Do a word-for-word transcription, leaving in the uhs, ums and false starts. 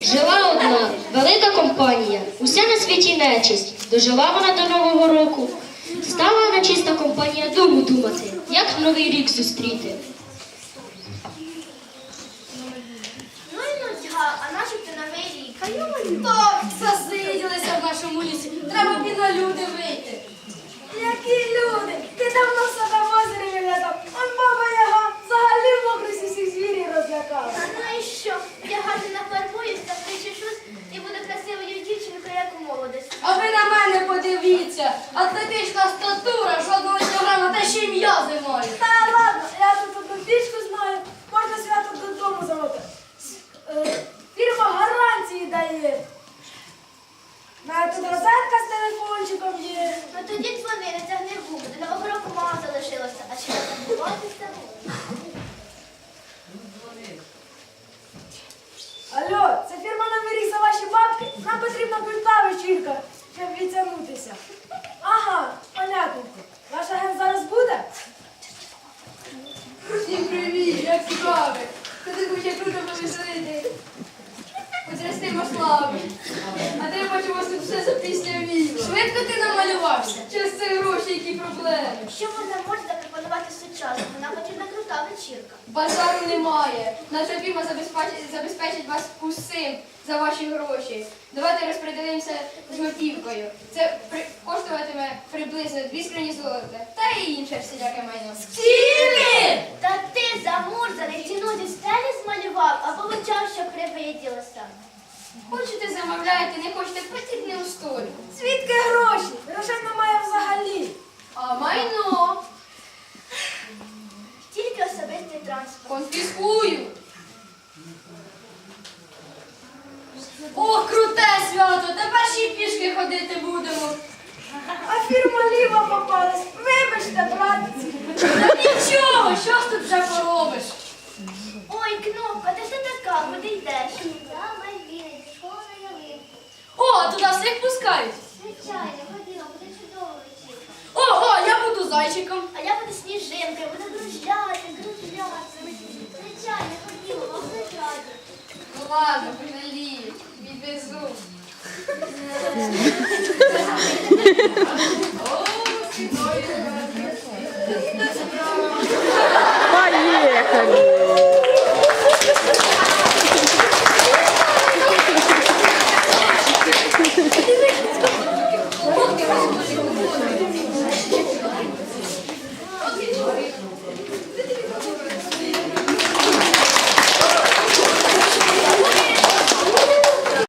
Жила одна велика компанія, уся на світі нечисть. Дожила вона до Нового року. Стала нечиста компанія думу думати, як Новий рік зустріти. Ну і нудьга, а начебто Новий рік. А йому Так, засиділися в нашому лісі. Треба б і на люди вийти. Які люди? Ти давно в себе в озері виглядав. Он баба Яга взагалі в мокрості всіх звірів розлякала. А ну і що? Я гарно нафарбуюсь та причешусь і буду красивою дівчинкою, як у молодості. А ви на мене подивіться. Атлетична статура, жодного кілограма, та ще й м'язи маю. Та ладно, я тут одну пічку знаю, можна свято додому замовити. Е, Фірма гарантії дає. У мене тут розетка з телефончиком є. Ну тоді дзвони, не тягни губи, до Нового року мало залишилося, а чи не забуватися? Алло, це фірма Новий рік за ваші бабки? Нам потрібна крута вечірка, щоб відтягнутися. Ага, понятненько. Ваш агент зараз буде? Всім привіт, як цікаво. Ти хоче круто повеселити. Потрясти маслами. А ти, я бачу, у вас тут все запліснявіло. Швидко ти намалювався. Через це гроші, які проблеми. Що можна можна запропонувати сучасному? Нам потрібна крута вечірка. Базару немає. Наша фірма забезпечить, забезпечить вас усім за ваші гроші. Давайте розподілимося з готівкою. Це при, коштуватиме приблизно дві скрині золота та і інше всіляке майно. Стілі! Та ти замурзаний, ціну зі стелі змалював, або вичав, що привиділося. Хочете замовляєте, не хочете, платіть не у столі. Звідки гроші? Грошей немає взагалі. А майно Тільки особистий транспорт. конфіскую. О, круте свято! Тепер ще й пішки ходити будемо. А фірма ліва попалась. Вибачте, братці. Та нічого, що ж тут вже поробиш? Ой, Кнопка, ти хто така? Куди йдеш? Я Мальвіна, зі школи на ялинку. О, туди всіх пускають. Звичайно, ходімо, буде чудово вечірка. О, о, я буду зайчиком. А я буду сніжинкою, буду дружляти, дружляти. Звичайно, ходімо, вам раді. Ну ладно, пожалію, відвезу. О, Поехали!